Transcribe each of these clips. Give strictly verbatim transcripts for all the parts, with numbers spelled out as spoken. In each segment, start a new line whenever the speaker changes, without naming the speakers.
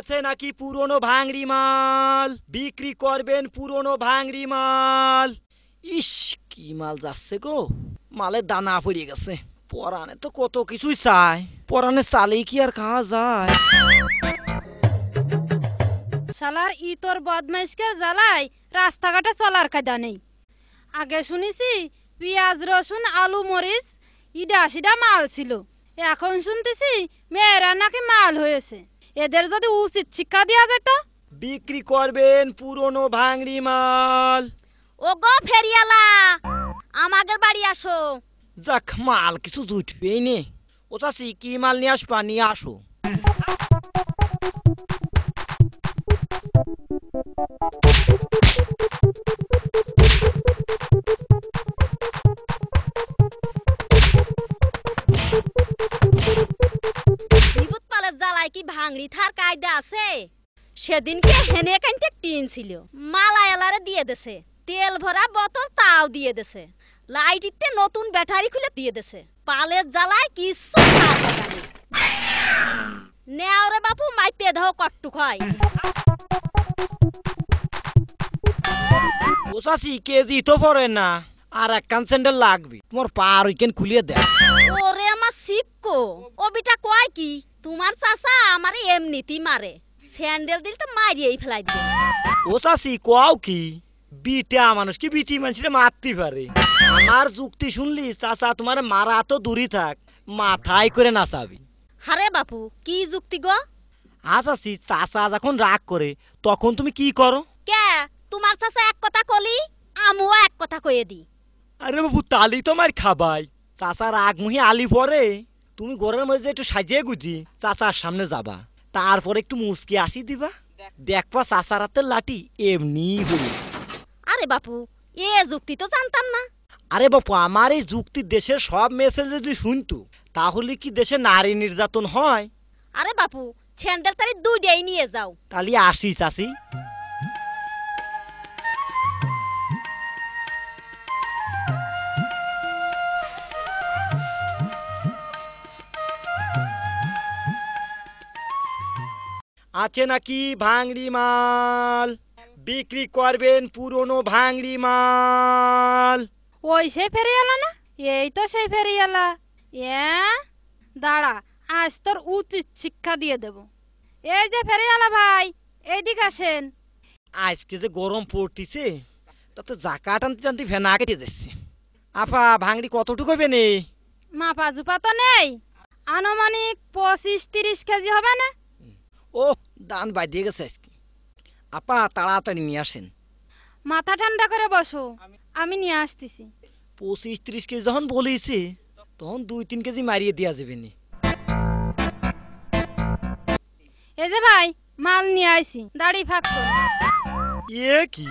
আছে নাকি পুরনো ভাঙড়ি মাল? বিক্রি করবেন পুরনো ভাঙড়ি মাল। ইস কি মাল যাচ্ছে গো, মালের দানা পড়ে গেছে। পরানে তো কত কিছুই চায়, পরানে চালেই কি আর খাওয়া যায়?
শালার ই তোর বদমাইশকে জ্বালাই রাস্তাঘাটে চলার কায়দা নেই। আগে শুনেছি পেঁয়াজ রসুন আলু মরিচ ইডা সিডা মাল ছিল, এখন শুনতেছি মেয়েরা নাকি মাল হয়েছে। এদের যদি উচিত শিক্ষা দেওয়া যেত।
বিক্রি করবেন পুরনো ভাঙড়ি মাল।
ও গো ফেরিয়ালা, আমাদের বাড়ি আসো।
যাক মাল কিছু জুটবেই নে। ও চাচি কি মাল নিয়ে আসবা, নিয়ে আসো।
বিভূত পালের জ্বালায় কি ভাঙড়ি থার কায়দা আছে? সেদিনকে হেনে কানতে টিন ছিল, মালায়ালারে দিয়ে দেছে। তেল ভরা বোতল তাও দিয়ে দেছে। লাইটিতে নতুন ব্যাটারি খুলে দিয়ে দেছে। পালের জ্বালায় কিছু নেওরে বাপু মাইপে দাও কট্টুক হয়।
ও চাচি কেজি তো পড়ে না, আর এক কান স্যান্ডেল লাগবে। তোমার পার উইকেন খুলিয়ে দেয়।
ওরে আমার শিক্ষো, ও বিটা কয় কি তোমার চাচা আমারে এমনিতেই মারে, স্যান্ডেল দিল তো মারিয়েই ফেলাই দিবে।
ও চাচি কোয়াও কি, বিটা মানুষ কি বিটি মানুষের মারতে পারে? আমার যুক্তি শুনলি চাচা তোমার মারা তো দূরই থাক, মাথায় করে নাচাবি।
হারে বাপু কি যুক্তি গো?
আজ আছি চাচা যখন রাগ করে তখন তুমি কি করো?
কে তোমার চাচা এক কথা কলি আমিও এক কথা কয়ে দি।
আরে বাবু তালি তোমার খাবাই। চাচা রাগ মুহি আলি পরে তুমি ঘরের মধ্যে একটু সাজিয়ে গুজি চাচার সামনে যাবা, তারপরে একটু মুসকি আসি দিবা, দেখবা চাচার হাতের লাঠি এমনি হয়ে।
আরে বাপু এ যুক্তি তো জানতাম না।
আরে বাপু আমার এই যুক্তি দেশের সব মেসেজ যদি শুনতো তাহলে কি দেশে নারী নির্যাতন হয়?
আরে বাপু স্যান্ডেল তারি দুইটাই নিয়ে যাও।
তাহলে আসি চাচি। আছে নাকি ভাঙড়ি মাল? বিক্রি করবেন পুরনো ভাঙড়ি মাল।
ওই সে ফেরিয়ালা না? এই তো সেই ফেরিয়ালা। এ দাঁড়া, আজ তোর উচিত শিক্ষা দিয়ে দেব। এই যে ফেরিয়ালা ভাই, এইদিকে আসেন।
আজকে যে গরম পড়তিছে তাতে জাকা টানতে টানতে ভেনা কেটে যাচ্ছে। আপা ভাঙড়ি কতটুকু হবে নে?
মাপা জুপা তো নেই, আনুমানিক পঁচিশ তিরিশ কেজি হবে না?
ও দান বাজিয়ে গেছে আজকে। আপা তাড়াতাড়ি নিয়ে আসেন।
মাথা ঠান্ডা করে বসো, আমি নিয়ে আসতেছি।
পঁচিশ ত্রিশ কেজি যখন বলেছে তখন দুই তিন কেজি মারিয়ে দেওয়া যাবে নি।
এই যে ভাই মাল নিয়ে আইছি, দাড়ি ফাঁক কর।
এ কি?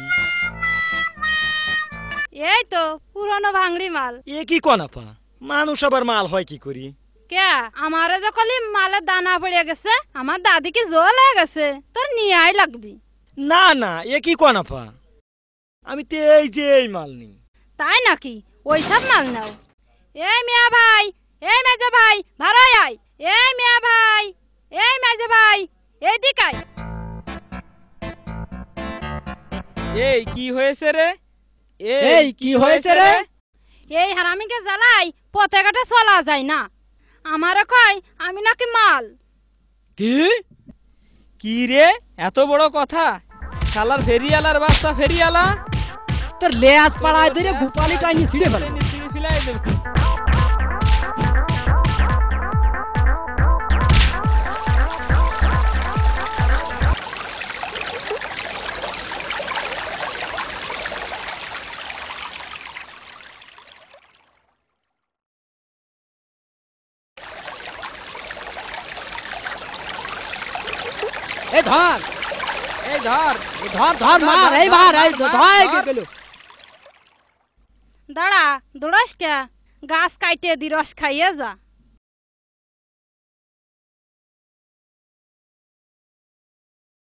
এই তো পুরনো ভাঙড়ি মাল।
এ কি কোন আপা, মানুষ আবার মাল হয় কি করি?
কে আমারে যখন মালের দানা পড়ে গেছে, আমার দাদি কি জল হয়ে গেছে, তোর নিয়ে আই লাগবি।
না না এ কি কোন আপা, আমি তো এই যে এই মাল নিই।
তাই নাকি? ওই সব মাল নাও। এই মিয়া ভাই, এই মেজে ভাই, ভাড়াই আয়। এই মিয়া ভাই, এই মেজে ভাই, এইদিকে আয়।
এই কি হয়েছে রে? এই কি হয়েছে রে?
এই হারামিকে জ্বালাই পথে ঘাটে চলা যায় না, আমারে কয় আমি নাকি মাল।
কি কি রে, এত বড় কথা? শালার ফেরিয়ালার বাচ্চা ফেরিয়ালা,
তোর লেজ পাড়ায় ধরে গোপালি টাইনি ছিঁড়ে ফেলে।
ছিঁড়ে ফেলাই দেব।
এই ধর,
এই ধর
ধর ধর মার, এইবার এই ধর গেল।
দাঁড়া দৌড়াস কে, গাছ কাইটে দি রস খাইয়ে যা।